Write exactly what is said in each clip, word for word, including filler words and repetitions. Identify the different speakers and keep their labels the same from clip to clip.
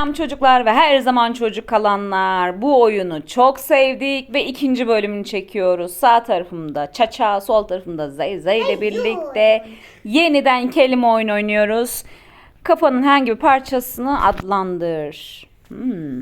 Speaker 1: Selam çocuklar ve her zaman çocuk kalanlar. Bu oyunu çok sevdik ve ikinci bölümünü çekiyoruz. Sağ tarafımda Çaça, sol tarafımda Zeyze ile birlikte yeniden kelime oyunu oynuyoruz. Kafanın herhangi bir parçasını adlandır. Hmm.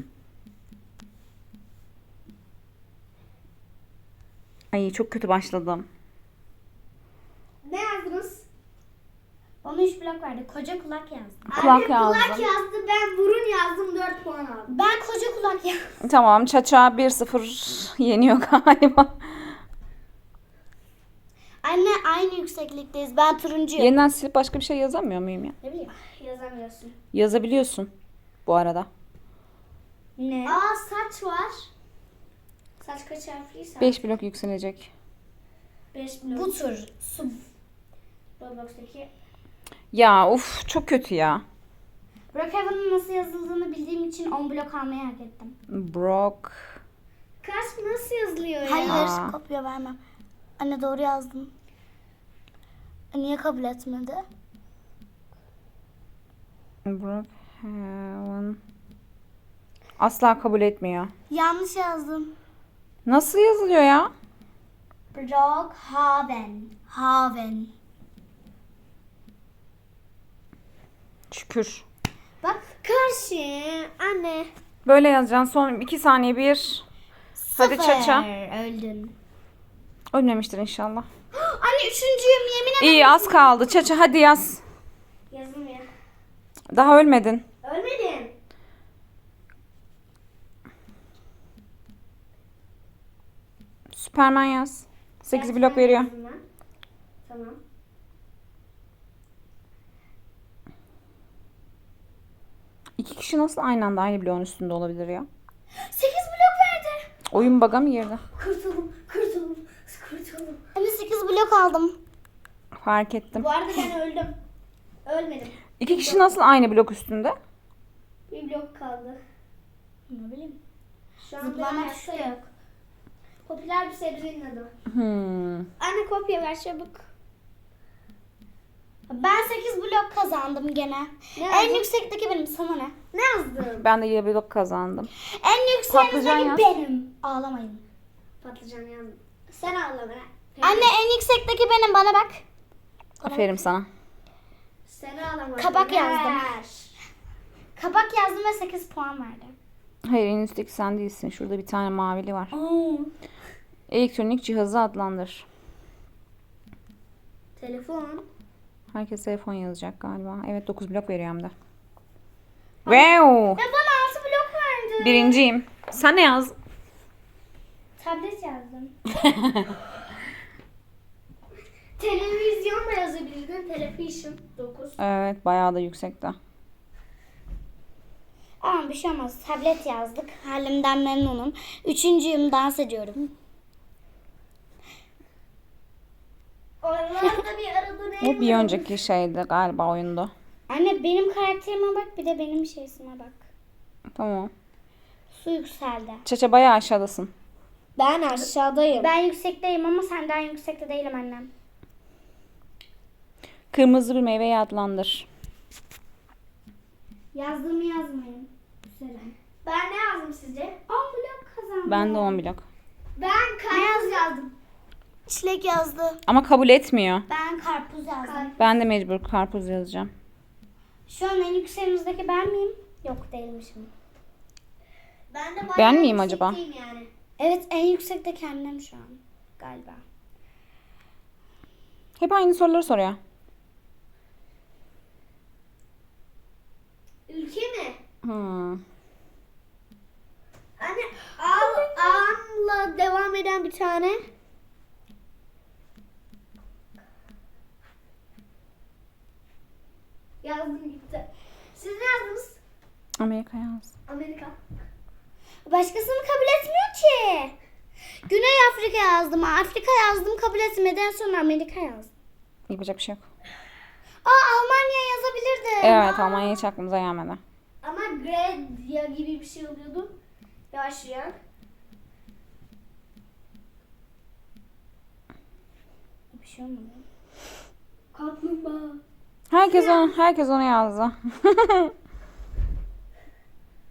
Speaker 1: Ay çok kötü başladım.
Speaker 2: Ne yazdınız?
Speaker 3: Bana üç blok verdi. Koca kulak yazdım.
Speaker 1: Kulak
Speaker 2: Anne
Speaker 1: yazdım.
Speaker 2: kulak yazdı, ben burun yazdım, dört puan aldım.
Speaker 3: Ben koca kulak yazdım.
Speaker 1: Tamam, Çaça bir sıfır yeniyor galiba.
Speaker 3: Anne aynı yükseklikteyiz. Ben turuncuyum.
Speaker 1: Yeniden silip başka bir şey yazamıyor muyum ya?
Speaker 3: Ne bileyim.
Speaker 2: Yazamıyorsun.
Speaker 1: Yazabiliyorsun bu arada.
Speaker 3: Ne?
Speaker 2: Aa, saç var. Saç kaç harfliyse?
Speaker 1: beş blok yükselecek.
Speaker 2: beş blok.
Speaker 3: Bu tur. Su.
Speaker 2: Roblox'taki.
Speaker 1: Ya uf çok kötü ya.
Speaker 3: Brookhaven'ın nasıl yazıldığını bildiğim için on blok almayı hak ettim.
Speaker 1: Brock.
Speaker 2: Kaç nasıl yazılıyor ya?
Speaker 3: Hayır,
Speaker 1: Aa.
Speaker 3: kopya vermem. Anne doğru yazdım. Niye kabul etmedi?
Speaker 1: Brookhaven. Asla kabul etmiyor.
Speaker 3: Yanlış yazdım.
Speaker 1: Nasıl yazılıyor ya?
Speaker 3: Brookhaven. Haven.
Speaker 1: Şükür.
Speaker 2: Bak karşı anne.
Speaker 1: Böyle yazacaksın. Son iki saniye bir. Hadi
Speaker 3: Sıfır.
Speaker 1: Çaça.
Speaker 3: Öldün.
Speaker 1: Ölmemiştir inşallah.
Speaker 3: Anne üçüncüyüm yemin ederim.
Speaker 1: İyi az kaldı. Çaça hadi yaz.
Speaker 2: Yazılmıyor.
Speaker 1: Daha ölmedin.
Speaker 2: Ölmedin.
Speaker 1: Süpermen yaz. sekiz
Speaker 2: Evet,
Speaker 1: blok
Speaker 2: ben
Speaker 1: veriyor.
Speaker 2: yazdım ben. Tamam.
Speaker 1: İki kişi nasıl aynı anda aynı bloğun üstünde olabilir ya?
Speaker 3: sekiz blok verdi.
Speaker 1: Oyun bug'a mı girdi?
Speaker 2: Kurtuldum, kurtuldum, kurtuldum.
Speaker 3: Anne sekiz blok aldım.
Speaker 1: Fark ettim.
Speaker 2: Bu arada ben öldüm. Ölmedim.
Speaker 1: İki kişi nasıl aynı blok üstünde?
Speaker 2: Bir blok kaldı.
Speaker 3: Ne bileyim.
Speaker 2: Şu anda
Speaker 3: Zıplama
Speaker 2: hayatta
Speaker 3: tuşu
Speaker 2: yok. Popüler bir sebzenin adı.
Speaker 1: Hmm.
Speaker 2: Anne kopya ver çabuk.
Speaker 3: Ben sekiz blok kazandım gene.
Speaker 2: Ne
Speaker 3: En
Speaker 2: yazdın?
Speaker 3: yüksekteki benim, sana ne?
Speaker 2: Ne yazdın?
Speaker 1: Ben de yedi blok kazandım.
Speaker 3: En
Speaker 1: Patlıcan
Speaker 3: yüksekteki
Speaker 1: yaz.
Speaker 3: benim. Ağlamayın.
Speaker 2: Patlıcan yazdım. Sen ağla be.
Speaker 3: Anne en yüksekteki benim, bana bak.
Speaker 1: Aferin sana.
Speaker 2: Sen ağlama.
Speaker 3: Kabak
Speaker 2: Ver.
Speaker 3: yazdım. Kabak yazdım ve sekiz puan verdi.
Speaker 1: Hayır en üstteki sen değilsin. Şurada bir tane mavili var.
Speaker 3: Oo.
Speaker 1: Elektronik cihazı adlandır.
Speaker 2: Telefon.
Speaker 1: Herkes telefon yazacak galiba. Evet dokuz blok veriyor hem de. Wow.
Speaker 3: Ya bana altı blok verdi.
Speaker 1: Birinciyim. Sen ne yaz?
Speaker 3: Tablet yazdım.
Speaker 2: Televizyon da yazabilirdin. Television. dokuz.
Speaker 1: Evet bayağı da yüksekte.
Speaker 3: Ama bir şey olmaz. Tablet yazdık. Halimden memnunum. Üçüncüyüm, dans ediyorum.
Speaker 2: Oralarda bir arada ne?
Speaker 1: Bu bir önceki şeydi galiba oyunda.
Speaker 3: Anne benim karakterime bak, bir de benim şeysime bak.
Speaker 1: Tamam.
Speaker 3: Su yükseldi.
Speaker 1: Çaça bayağı aşağıdasın.
Speaker 2: Ben aşağıdayım.
Speaker 3: Ben yüksekteyim ama senden yüksekte değilim annem.
Speaker 1: Kırmızı bir meyveyi adlandır.
Speaker 3: Yazdığımı yazmayın. Güzel.
Speaker 2: Ben ne yazdım sizce?
Speaker 3: on blok kazandım.
Speaker 1: Ben de on blok.
Speaker 2: Ben karpuz yazdım.
Speaker 3: Çilek yazdı.
Speaker 1: Ama kabul etmiyor.
Speaker 3: Ben karpuz yazdım.
Speaker 1: Ben de mecbur karpuz yazacağım.
Speaker 3: Şu an en yükseğimizdeki ben miyim? Yok, değilmişim.
Speaker 2: Ben de bayağı
Speaker 1: Ben miyim acaba?
Speaker 2: yüksekteyim Yani.
Speaker 3: Evet, en yüksekteki annem şu an. Galiba.
Speaker 1: Hep aynı soruları soruyor.
Speaker 2: Ülke mi?
Speaker 1: Hmm.
Speaker 2: Anne al, anla devam eden bir tane. Yazdım gitti. Siz ne yazdınız?
Speaker 1: Amerika yaz.
Speaker 2: Amerika.
Speaker 3: Başkasını kabul etmiyor ki. Güney Afrika yazdım. Afrika yazdım, kabul etmedi. En son Amerika yazdım.
Speaker 1: Yapacak bir şey yok.
Speaker 3: Aa, Almanya yazabilirdim.
Speaker 1: Evet Almanya hiç aklımıza gelmedi.
Speaker 2: Ama Gredya gibi bir şey oluyordu. Yaşayan.
Speaker 3: Bir şey olmadı.
Speaker 2: Kaplumbağa.
Speaker 1: Herkes onu, herkes onu yazdı.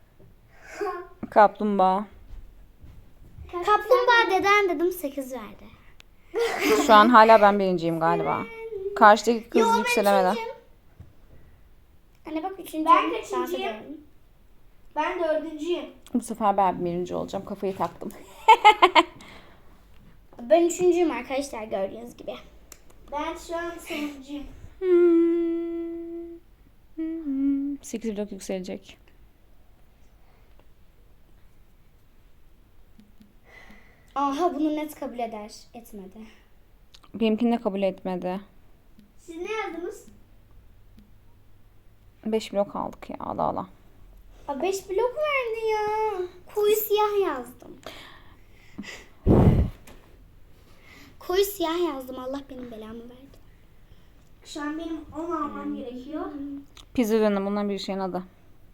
Speaker 1: Kaplumbağa.
Speaker 3: Kaplumbağa deden dedim sekiz verdi.
Speaker 1: Şu an hala ben birinciyim galiba. Karşıdaki kız
Speaker 3: Yo, ben
Speaker 1: yükselemeden.
Speaker 3: üçüncüyüm. Anne bak üçüncüyüm.
Speaker 2: Ben
Speaker 3: Dans
Speaker 2: kaçıncıyım?
Speaker 3: ediyorum.
Speaker 2: Ben dördüncüyüm.
Speaker 1: Bu sefer ben birinci olacağım. Kafayı taktım.
Speaker 3: Ben üçüncüyüm arkadaşlar gördüğünüz gibi.
Speaker 2: Ben şu an sonuncuyum.
Speaker 1: sekiz blok yükselecek.
Speaker 3: Aha bunu net kabul eder. Etmedi.
Speaker 1: Benimkini de kabul etmedi.
Speaker 2: Siz ne yazdınız?
Speaker 1: beş blok aldık ya. Allah Allah.
Speaker 3: Aa, beş blok verdi ya. Koyu siyah yazdım. Koyu siyah yazdım. Allah benim belamı verdi.
Speaker 2: Şu an benim on almam gerekiyor.
Speaker 1: Pizza ürünü bundan bir şeyin adı.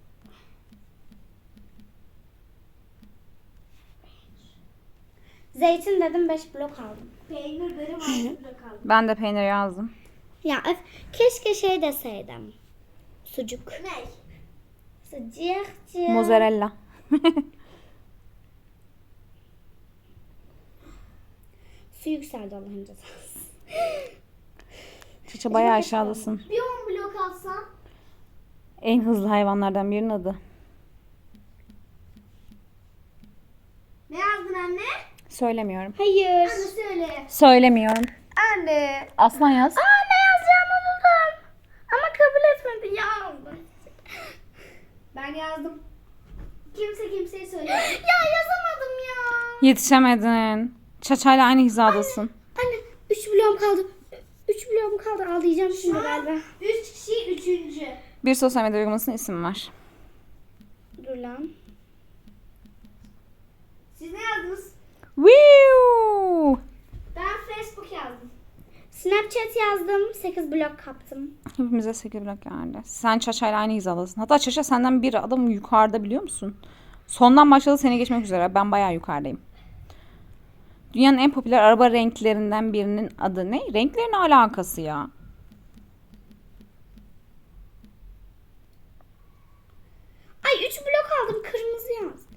Speaker 3: Zeytin dedim beş blok aldım.
Speaker 2: Peynir benim altında kaldı.
Speaker 1: Ben de peynir yazdım.
Speaker 3: Ya öf, keşke şey deseydim. Sucuk.
Speaker 2: Ne?
Speaker 3: Sucuk.
Speaker 1: Mozzarella.
Speaker 3: Su yükseldi Allah'ın cezası.
Speaker 1: Çiçe bayağı aşağıdasın.
Speaker 2: Bir on blok alsam.
Speaker 1: En hızlı hayvanlardan birinin adı.
Speaker 2: Ne yazdın anne?
Speaker 1: Söylemiyorum.
Speaker 3: Hayır.
Speaker 2: Anne söyle.
Speaker 1: Söylemiyorum.
Speaker 3: Anne.
Speaker 1: Aslan yaz.
Speaker 3: Aa ne yazacağımı buldum. Ama kabul etmedi ya.
Speaker 2: Ben yazdım. Kimse kimseye söyle.
Speaker 3: Ya yazamadım ya.
Speaker 1: Yetişemedin. Çaçayla aynı hizadasın.
Speaker 3: Anne üç bloğum kaldı. Üç bloğum kaldı. Ağlayacağım şimdi galiba.
Speaker 2: Üç kişi üçüncü.
Speaker 1: Bir sosyal medya uygulamasının ismi var.
Speaker 3: Dur lan.
Speaker 2: Siz ne yazdınız?
Speaker 1: Woo!
Speaker 2: Ben Facebook yazdım.
Speaker 3: Snapchat yazdım. sekiz blok kaptım.
Speaker 1: Hepimize sekiz blok geldi. Sen Çaçayla aynı hizadasın. Hatta Çaça senden bir adım yukarıda biliyor musun? Sondan başladı seni geçmek üzere. Ben bayağı yukarıdayım. Dünyanın en popüler araba renklerinden birinin adı ne? Renklerin alakası ya.
Speaker 3: Ay üç blok aldım. Kırmızı yazdım.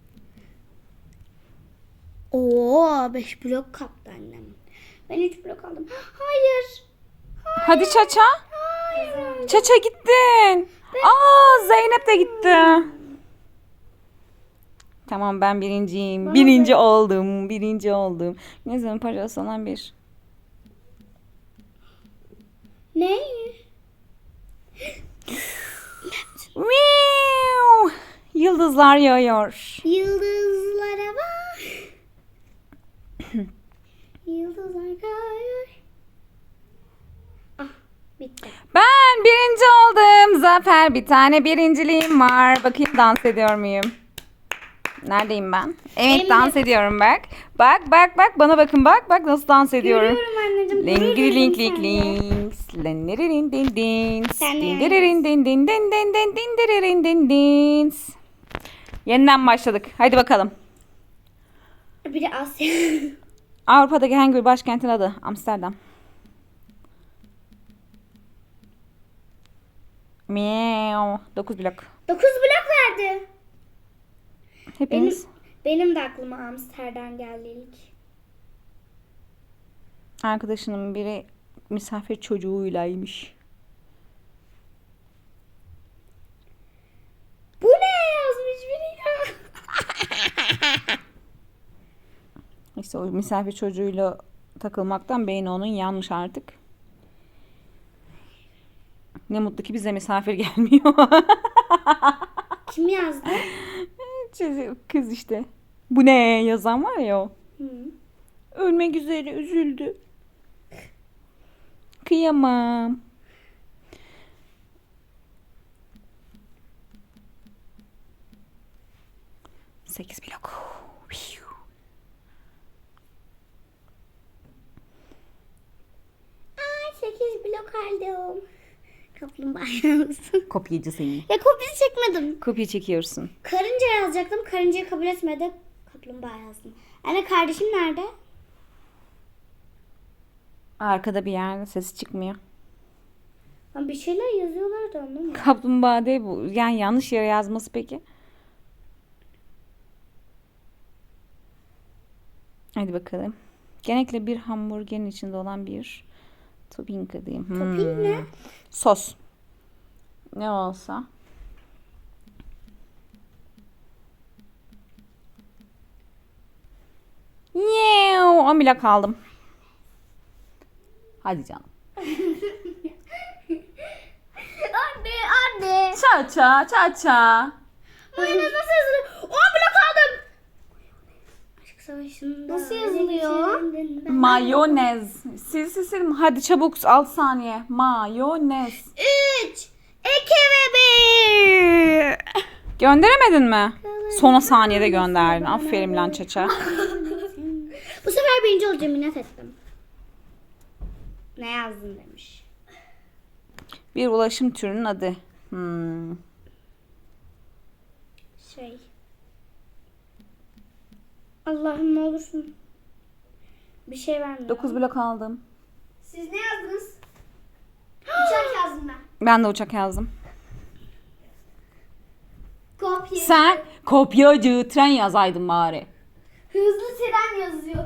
Speaker 3: Oo beş blok kaptı annem. Ben üç blok aldım. Hayır.
Speaker 1: Hadi Çaça.
Speaker 3: Hayır.
Speaker 1: Çaça gittin. Aa Zeynep de gitti. Tamam ben birinciyim. Birinci oldum. Birinci oldum. Ne zaman parası olan bir.
Speaker 3: Ne?
Speaker 1: Wiu! Yıldızlar yağıyor.
Speaker 3: Yıldızlara bak. Yıldızlar kayıyor. Ah bitti.
Speaker 1: Ben birinci oldum. Zafer bir tane birinciliğim var. Bakayım dans ediyor muyum? Neredeyim ben? Evet
Speaker 3: Benim
Speaker 1: dans
Speaker 3: de-
Speaker 1: ediyorum bak. Bak bak bak bana bakın bak. Bak nasıl dans ediyorum.
Speaker 3: Görüyorum anneciğim.
Speaker 1: Lingiri link
Speaker 3: görüyorum
Speaker 1: link
Speaker 3: seni.
Speaker 1: links. Lendiririn din dins.
Speaker 3: Sen de
Speaker 1: Dindiririn din din din din din dindiririn din dins. Yeniden başladık. Hadi bakalım.
Speaker 3: Bir de Asya.
Speaker 1: Avrupa'daki hangi bir başkentin adı? Amsterdam. Miau. dokuz blok.
Speaker 3: Dokuz blok verdi.
Speaker 1: Hepiniz.
Speaker 3: Benim, benim de aklıma Amsterdam geldi ilk.
Speaker 1: Arkadaşının biri misafir çocuğuylaymış.
Speaker 3: Bu ne yazmış biri ya?
Speaker 1: İşte o misafir çocuğuyla takılmaktan beyni onun yanmış artık. Ne mutlu ki bize misafir gelmiyor.
Speaker 3: Kim yazdı?
Speaker 1: Kız işte. Bu ne yazan var ya o.
Speaker 3: Hı.
Speaker 1: Ölmek üzere üzüldü. Kıyamam. Sekiz blok.
Speaker 3: Ay sekiz blok aldım. Kaplumbağa yazdım.
Speaker 1: Kopyacı seni.
Speaker 3: Ya kopya çekmedim.
Speaker 1: Kopya çekiyorsun.
Speaker 3: Karınca yazacaktım. Karıncayı kabul etmedi. Kaplumbağa yazdım. Anne kardeşim nerede?
Speaker 1: Arkada bir yerde sesi çıkmıyor.
Speaker 3: Lan bir şeyler yazıyorlar da anlamadım.
Speaker 1: Kaplumbağa değil bu. Yani yanlış yere yazması peki. Hadi bakalım. Genellikle bir hamburgerin içinde olan bir topping diyeyim.
Speaker 3: Topping ne?
Speaker 1: Sos. Ne olsa. Yew, on bile kaldım. Hadi canım.
Speaker 3: Anne anne.
Speaker 1: Ça ça ça ça.
Speaker 3: Mayonez nasıl yazılıyor? on blok aldım. Aşk savaşında. Nasıl yazılıyor?
Speaker 1: Mayonez. Sil sil sil. Hadi çabuk altı saniye. Mayonez.
Speaker 3: üç, iki ve bir.
Speaker 1: Gönderemedin mi? Son saniyede gönderdin. Aferin lan çaça.
Speaker 3: Bu sefer birinci olacağım, minnet ettim. Ne yazdın demiş.
Speaker 1: Bir ulaşım türünün adı. Hmm.
Speaker 3: Şey. Allah'ım ne olursun. Bir şey vermiyor.
Speaker 1: dokuz blok aldım.
Speaker 2: Siz ne yazdınız? Uçak yazdım ben.
Speaker 1: Ben de uçak yazdım.
Speaker 2: Kopya.
Speaker 1: Sen kopyacı tren yazaydın bari.
Speaker 2: Hızlı tren yazıyor.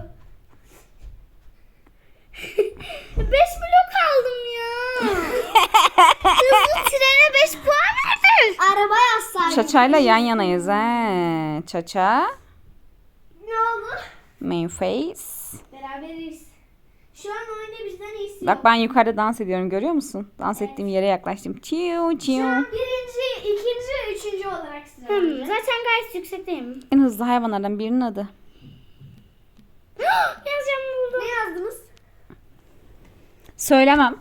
Speaker 3: beş blok aldım ya. Hızlı trene beş puan verdin.
Speaker 2: Araba yazsaydım.
Speaker 1: Çaçayla yan yanayız he. Çaça.
Speaker 2: Ne oldu?
Speaker 1: Main face.
Speaker 2: Beraberiz. Şu an oyunda bizden iyisi
Speaker 1: Bak
Speaker 2: yok.
Speaker 1: ben yukarıda dans ediyorum, görüyor musun? Dans ettiğim yere yaklaştım. Çiu
Speaker 2: Şu
Speaker 1: çiu.
Speaker 2: an birinci, ikinci, üçüncü olarak sıra.
Speaker 3: Hmm, zaten gayet yüksekteyim.
Speaker 1: En hızlı hayvanlardan birinin adı.
Speaker 3: Yazacağım buldum.
Speaker 2: Ne yazdınız?
Speaker 1: Söylemem.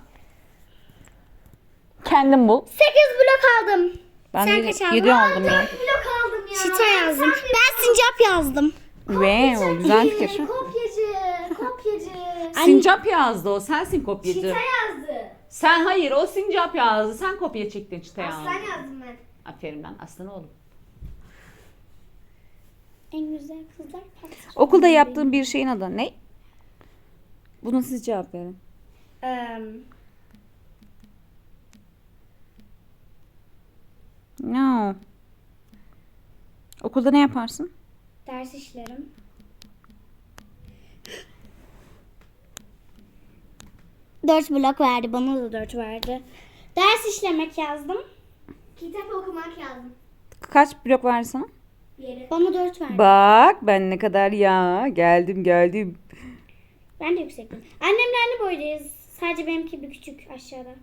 Speaker 1: Kendim bul.
Speaker 3: sekiz blok aldım.
Speaker 1: Ben
Speaker 3: Sen
Speaker 1: de
Speaker 3: kaç aldın?
Speaker 1: yedi aldım ya.
Speaker 2: Blok aldım ya.
Speaker 3: Çita yazdım. Ben sincap yazdım.
Speaker 1: Ve güzel fikir.
Speaker 2: Kopyacı, kopyacı.
Speaker 1: Sincap yazdı o. Sensin kopyacı.
Speaker 2: Çita yazdı.
Speaker 1: Sen hayır, o sincap yazdı. Sen kopya çektin çitaya.
Speaker 2: Aslan yazdım ben.
Speaker 1: Aferin lan aslan oğlum.
Speaker 3: En güzel kızlar partisi.
Speaker 1: Okulda yaptığın bir şeyin adı ne? Buna siz cevap verin.
Speaker 3: Um,
Speaker 1: No. Okulda ne yaparsın?
Speaker 3: ders işlerim. Dört blok verdi. Bana da dört verdi. Ders işlemek yazdım.
Speaker 2: Kitap okumak yazdım.
Speaker 1: Kaç blok var sana?
Speaker 2: Yeri.
Speaker 3: Bana dört verdi.
Speaker 1: Bak ben ne kadar ya. Geldim geldim.
Speaker 3: Ben de yüksektim. Annemle aynı boydayız. Sadece benimki bir küçük aşağıda.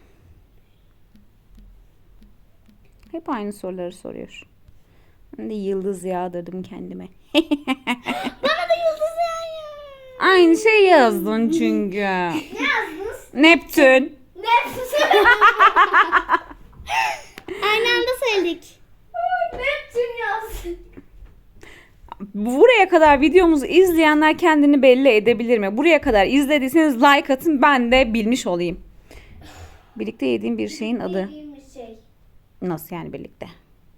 Speaker 1: Hep aynı soruları soruyor. Ben de yıldız yağdırdım kendime.
Speaker 3: Bana da yıldız yağıyor.
Speaker 1: Aynı şey yazdın çünkü.
Speaker 2: Ne yazdınız?
Speaker 1: Neptün.
Speaker 2: Neptün.
Speaker 3: Aynı anda söyledik.
Speaker 2: Neptün yazdı.
Speaker 1: Buraya kadar videomuzu izleyenler kendini belli edebilir mi? Buraya kadar izlediyseniz like atın, ben de bilmiş olayım. Birlikte yediğim bir şeyin adı.
Speaker 2: Bildiğim bir şey.
Speaker 1: Nasıl yani birlikte?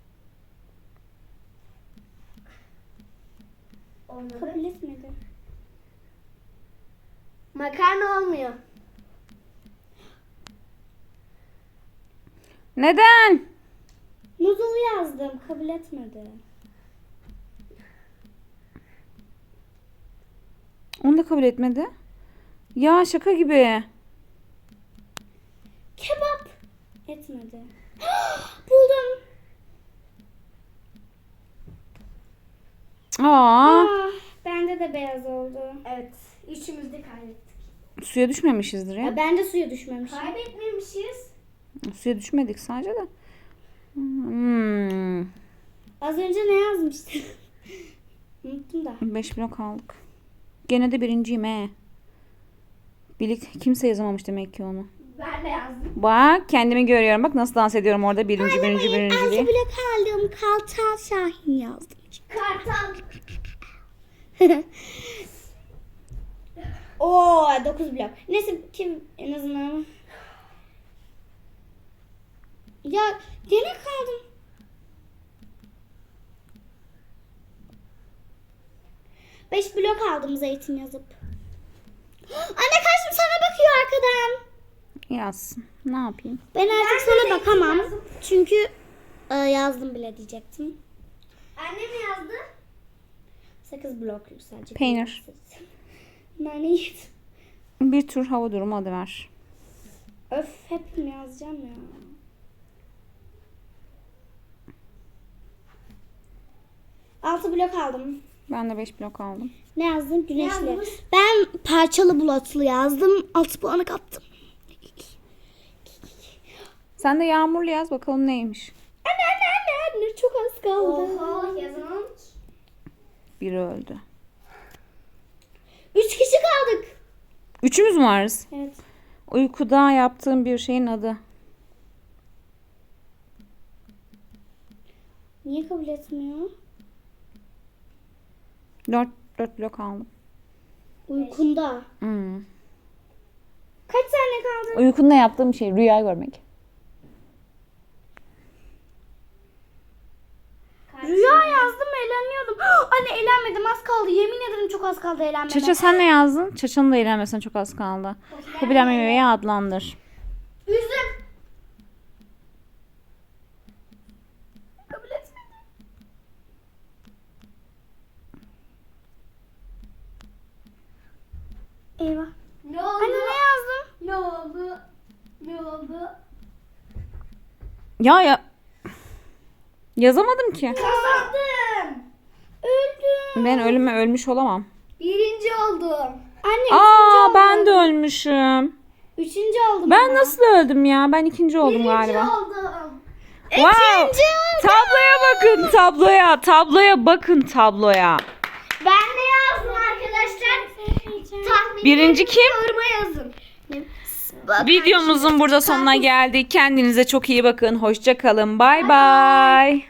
Speaker 2: Olmadı.
Speaker 3: Kabul etmedi.
Speaker 2: Makarna olmuyor.
Speaker 1: Neden?
Speaker 3: Noodle yazdım. Kabul etmedi.
Speaker 1: Onu da kabul etmedi. Ya şaka gibi.
Speaker 3: Kebap. Etmedi. Buldum.
Speaker 1: Aa,
Speaker 3: Ah, bende de beyaz oldu.
Speaker 2: Evet. Üçümüz de kaybettik.
Speaker 1: suya düşmemişizdir ya.
Speaker 3: Ya ben de suya düşmemişim.
Speaker 2: Kaybetmemişiz.
Speaker 1: Suya düşmedik sadece de. Hmm.
Speaker 3: Az önce ne yazmıştım? Unuttum da.
Speaker 1: Beş blok aldık. Gene de birinciyim he. Birlik kimse yazamamış demek ki onu.
Speaker 2: Ben de yazdım.
Speaker 1: Bak kendimi görüyorum. Bak nasıl dans ediyorum orada. Birinci, birinci, birinci
Speaker 3: Altı
Speaker 1: diye.
Speaker 3: blok aldım. Kartal Şahin yazdım.
Speaker 2: Kartal.
Speaker 3: Oo, dokuz blok. Neyse kim en azından. Ya gene kaldım. Beş blok aldım zeytin yazıp. Anne kaçtım, sana bakıyor arkadan.
Speaker 1: Yazsın. Ne yapayım?
Speaker 3: Ben artık
Speaker 2: Ben de
Speaker 3: sana
Speaker 2: zeytin
Speaker 3: bakamam.
Speaker 2: yazdım.
Speaker 3: Çünkü e, yazdım bile diyecektim.
Speaker 2: Anne mi yazdı?
Speaker 3: sekiz blokluk sadece.
Speaker 1: Peynir.
Speaker 3: Nane yedim.
Speaker 1: Bir tur hava durumu adı ver.
Speaker 3: Öf hep mi yazacağım ya? Altı blok aldım.
Speaker 1: Ben de beş blok aldım.
Speaker 3: Ne yazdın? Güneşli.
Speaker 2: yazmış?
Speaker 3: Ben parçalı bulutlu yazdım. altı puanı kaptım.
Speaker 1: Sen de yağmurlu yaz bakalım neymiş.
Speaker 3: Anne anne anne anne çok az kaldı.
Speaker 2: Oha yazamam ki.
Speaker 1: Biri öldü.
Speaker 3: Üç kişi kaldık.
Speaker 1: Üçümüz mü varız?
Speaker 3: Evet.
Speaker 1: Uykuda yaptığım bir şeyin adı.
Speaker 3: Niye kabul etmiyor?
Speaker 1: Dört, dört blok aldım.
Speaker 3: Uykunda.
Speaker 1: Hmm.
Speaker 3: Kaç saniye kaldı?
Speaker 1: Uykunda yaptığım şey rüya görmek.
Speaker 3: Rüya yazdım eğleniyordum. Anne eğlenmedim az kaldı. Yemin ederim çok az kaldı eğlenmeme.
Speaker 1: Çaça sen ne yazdın? Çaça'nın da eğlenmesine çok az kaldı. Popüler meyveyi adlandır.
Speaker 3: Üzüm. Kabul etmedi. Eyvah.
Speaker 2: Ne oldu?
Speaker 3: Anne ne yazdım?
Speaker 2: Ne oldu? Ne oldu?
Speaker 1: Ya ya. Yazamadım ki.
Speaker 3: Kazandım. Öldüm.
Speaker 1: Ben ölüme ölmüş olamam.
Speaker 2: Birinci oldum.
Speaker 3: Anne
Speaker 1: Aa
Speaker 3: üçüncü
Speaker 1: ben
Speaker 3: oldum.
Speaker 1: de ölmüşüm.
Speaker 3: Üçüncü oldum.
Speaker 1: Ben
Speaker 3: ama.
Speaker 1: nasıl öldüm ya? Ben ikinci oldum
Speaker 2: Birinci
Speaker 1: galiba.
Speaker 2: oldum.
Speaker 1: Wow.
Speaker 3: İkinci oldum.
Speaker 1: Tabloya bakın tabloya. Tabloya bakın tabloya.
Speaker 3: Ben de yazdım arkadaşlar. Tahmin
Speaker 1: Birinci kim?
Speaker 3: yoruma yazın.
Speaker 1: Videomuzun burada sonuna geldik. Kendinize çok iyi bakın. Hoşça kalın. Bay bay.